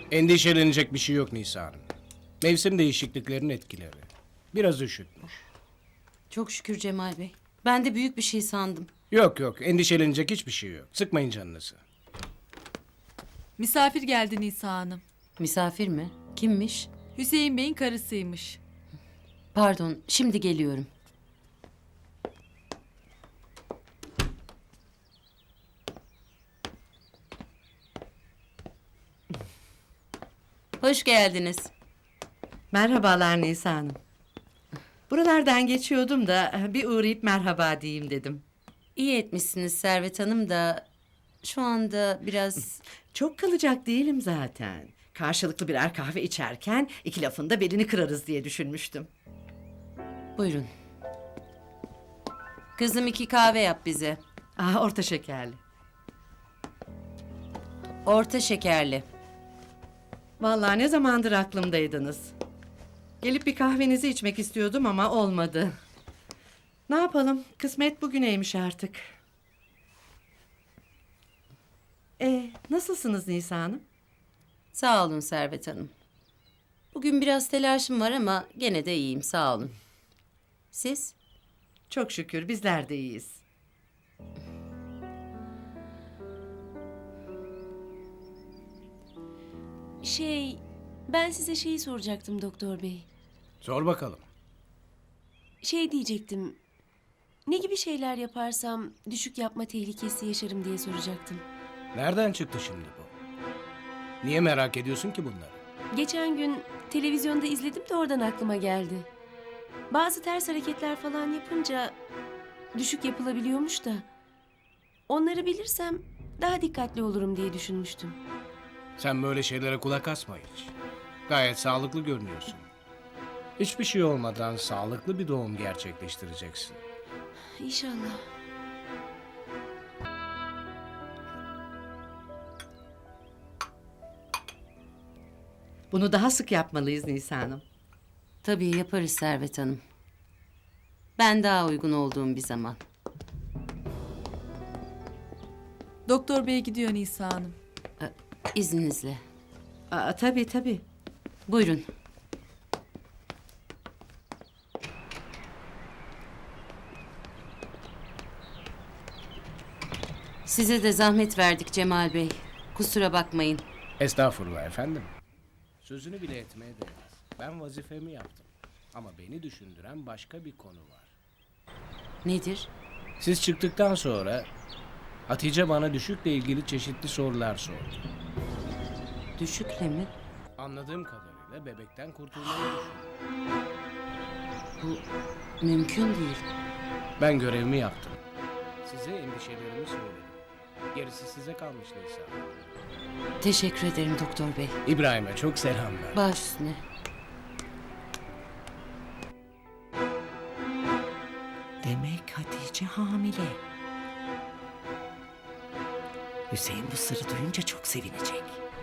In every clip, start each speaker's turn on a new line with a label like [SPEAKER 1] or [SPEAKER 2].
[SPEAKER 1] Endişelenecek bir şey yok Nisa Hanım. Mevsim değişikliklerinin etkileri. Biraz üşütmüş.
[SPEAKER 2] Çok şükür Cemal Bey. Ben de büyük bir şey sandım.
[SPEAKER 1] Yok yok, endişelenecek hiçbir şey yok. Sıkmayın canınızı.
[SPEAKER 3] Misafir geldi Nisa Hanım.
[SPEAKER 2] Misafir mi? Kimmiş?
[SPEAKER 3] Hüseyin Bey'in karısıymış.
[SPEAKER 2] Pardon, şimdi geliyorum. Hoş geldiniz.
[SPEAKER 4] Merhabalar Nisa Hanım. Buralardan geçiyordum da bir uğrayıp merhaba diyeyim dedim.
[SPEAKER 2] İyi etmişsiniz Servet Hanım da şu anda biraz...
[SPEAKER 4] Çok kalacak değilim zaten. Karşılıklı birer kahve içerken iki lafın da belini kırarız diye düşünmüştüm.
[SPEAKER 2] Buyurun. Kızım 2 kahve yap bize.
[SPEAKER 4] Orta şekerli.
[SPEAKER 2] Orta şekerli.
[SPEAKER 4] Vallahi ne zamandır aklımdaydınız. Gelip bir kahvenizi içmek istiyordum ama olmadı. Ne yapalım? Kısmet bugüneymiş artık. Nasılsınız Nisa Hanım?
[SPEAKER 2] Sağ olun Servet Hanım. Bugün biraz telaşım var ama gene de iyiyim sağ olun. Siz?
[SPEAKER 4] Çok şükür bizler de iyiyiz.
[SPEAKER 5] Ben size şeyi soracaktım doktor bey.
[SPEAKER 1] Sor bakalım.
[SPEAKER 5] Şey diyecektim. Ne gibi şeyler yaparsam düşük yapma tehlikesi yaşarım diye soracaktım.
[SPEAKER 1] Nereden çıktı şimdi bu? Niye merak ediyorsun ki bunları?
[SPEAKER 5] Geçen gün televizyonda izledim de oradan aklıma geldi. Bazı ters hareketler falan yapınca düşük yapılabiliyormuş da. Onları bilirsem daha dikkatli olurum diye düşünmüştüm.
[SPEAKER 1] Sen böyle şeylere kulak asma hiç. Gayet sağlıklı görünüyorsun. Hiçbir şey olmadan sağlıklı bir doğum gerçekleştireceksin.
[SPEAKER 5] İnşallah.
[SPEAKER 4] Bunu daha sık yapmalıyız Nisa Hanım.
[SPEAKER 2] Tabii yaparız Servet Hanım. Ben daha uygun olduğum bir zaman.
[SPEAKER 3] Doktor Bey gidiyor Nisa Hanım.
[SPEAKER 2] İzninizle.
[SPEAKER 4] Tabii tabii.
[SPEAKER 2] Buyurun. Size de zahmet verdik Cemal Bey. Kusura bakmayın.
[SPEAKER 1] Estağfurullah efendim. Sözünü bile etmeye değmez. Ben vazifemi yaptım. Ama beni düşündüren başka bir konu var.
[SPEAKER 2] Nedir?
[SPEAKER 1] Siz çıktıktan sonra Hatice bana düşükle ilgili çeşitli sorular sordu.
[SPEAKER 2] Düşükle mi?
[SPEAKER 1] Anladığım kadarıyla bebekten kurtulmayı düşünüyor.
[SPEAKER 2] Bu mümkün değil.
[SPEAKER 1] Ben görevimi yaptım. Size endişelerimi söyledim. Gerisi size kalmış Nisa.
[SPEAKER 2] Teşekkür ederim Doktor Bey.
[SPEAKER 1] İbrahim'e çok selamlar.
[SPEAKER 2] Baş üstüne.
[SPEAKER 4] Demek Hatice hamile. Hüseyin bu sırrı duyunca çok sevinecek.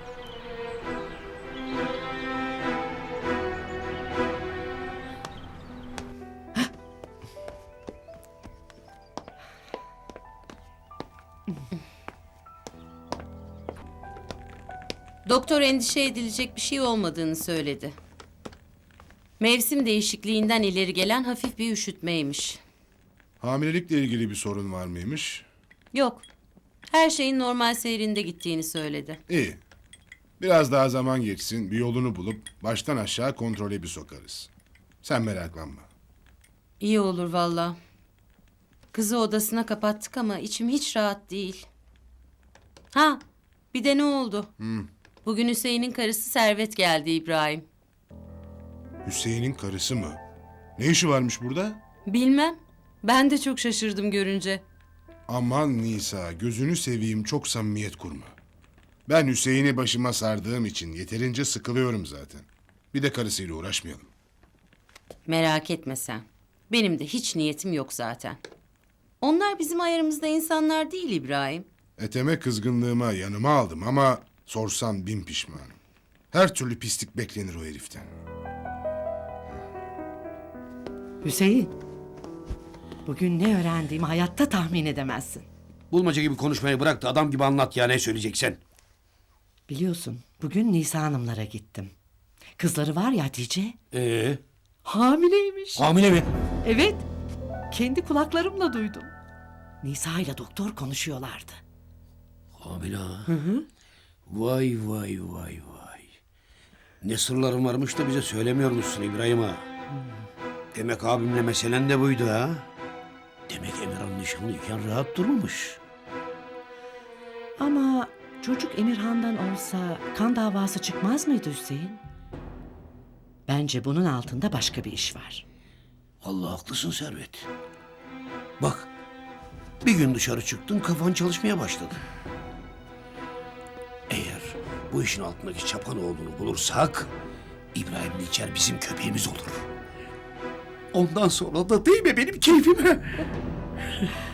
[SPEAKER 2] Doktor endişe edilecek bir şey olmadığını söyledi. Mevsim değişikliğinden ileri gelen hafif bir üşütmeymiş.
[SPEAKER 6] Hamilelikle ilgili bir sorun var mıymış?
[SPEAKER 2] Yok. Her şeyin normal seyrinde gittiğini söyledi.
[SPEAKER 6] İyi. Biraz daha zaman geçsin, bir yolunu bulup baştan aşağı kontrole bir sokarız. Sen meraklanma.
[SPEAKER 2] İyi olur valla. Kızı odasına kapattık ama içim hiç rahat değil. Ha, bir de ne oldu? Bugün Hüseyin'in karısı Servet geldi İbrahim.
[SPEAKER 6] Hüseyin'in karısı mı? Ne işi varmış burada?
[SPEAKER 2] Bilmem. Ben de çok şaşırdım görünce.
[SPEAKER 6] Aman Nisa, gözünü seveyim, çok samimiyet kurma. Ben Hüseyin'i başıma sardığım için yeterince sıkılıyorum zaten. Bir de karısıyla uğraşmayalım.
[SPEAKER 2] Merak etme sen. Benim de hiç niyetim yok zaten. Onlar bizim ayarımızda insanlar değil İbrahim.
[SPEAKER 6] Eteme kızgınlığıma yanıma aldım ama sorsan bin pişmanım. Her türlü pislik beklenir o heriften.
[SPEAKER 4] Hüseyin. Bugün ne öğrendiğimi hayatta tahmin edemezsin.
[SPEAKER 7] Bulmaca gibi konuşmayı bırak da adam gibi anlat ya, ne söyleyeceksen.
[SPEAKER 4] Biliyorsun bugün Nisa Hanımlara gittim. Kızları var ya Hatice. Hamileymiş.
[SPEAKER 7] Hamile mi?
[SPEAKER 4] Evet. Kendi kulaklarımla duydum. Nisa ile doktor konuşuyorlardı.
[SPEAKER 7] Hamile ha? Vay vay vay vay. Ne sırlarım varmış da bize söylemiyormuşsun İbrahim ağa. Demek abimle meselen de buydu ha? Demek Emirhan nişanlıyken rahat durmamış.
[SPEAKER 4] Ama çocuk Emirhan'dan olsa kan davası çıkmaz mıydı Hüseyin? Bence bunun altında başka bir iş var.
[SPEAKER 7] Allah haklısın Servet. Bak, bir gün dışarı çıktın kafan çalışmaya başladı. Eğer bu işin altındaki Çapanoğlu'nu bulursak İbrahim'le içer bizim köpeğimiz olur. Ondan sonra da değil mi benim keyfime?